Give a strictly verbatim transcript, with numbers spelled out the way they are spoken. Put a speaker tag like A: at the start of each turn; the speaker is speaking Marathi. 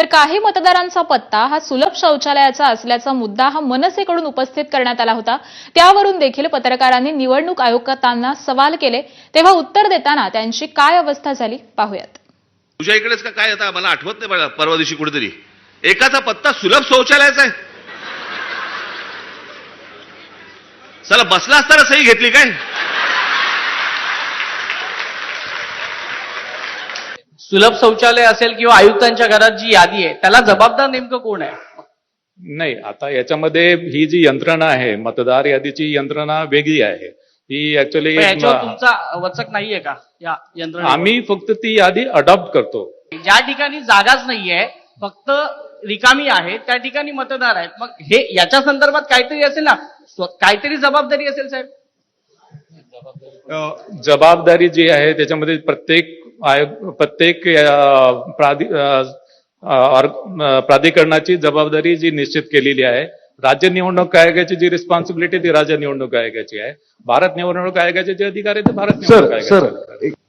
A: तर काही मतदारांचा पत्ता हा सुलभ शौचालयाचा असल्याचा मुद्दा हा मनसेकडून उपस्थित करण्यात आला होता। त्यावरून देखील पत्रकारांनी निवडणूक आयुक्तांना सवाल केले, तेव्हा उत्तर देताना त्यांची काय अवस्था झाली पाहूयात।
B: तुझ्या इकडेच का काय आता मला आठवत नाही बघा, परवा दिवशी कुठेतरी एकाचा पत्ता सुलभ शौचालयाचा आहे। चला बसला असताना सही घेतली काय?
C: सुलभ शौचालय असेल किंवा आयुक्तांच्या घरात जी यादी आहे त्याला जबाबदार नेमकं कोण आहे?
D: नाही, आता याच्यामध्ये ही जी यंत्रणा आहे, मतदार यादीची यंत्रणा वेगळी आहे। ही ऍक्च्युअली
C: याच्यावर तुमचा वचक नाहीये का या यंत्रणा?
D: आम्ही फक्त ती यादी अडॉप्ट करतो।
C: ज्या ठिकाणी जागाच नाहीये, फक्त रिकामी आहे, त्या ठिकाणी मतदार आहेत, मग हे याच्या संदर्भात काहीतरी असेल ना, काहीतरी जबाबदारी असेल साहेब।
D: जबाबदारी जी आहे त्याच्यामध्ये प्रत्येक आयोग प्रत्येक प्राधिकरणाची जबाबदारी जी निश्चित केलेली आहे। राज्य निवडणूक आयोगाची जी रिस्पॉन्सिबिलिटी ती राज्य निवडणूक आयोगाची आहे। भारत निवडणूक आयोगाचे जे अधिकार आहेत ते भारत निवडणूक आयोगाचे आहेत।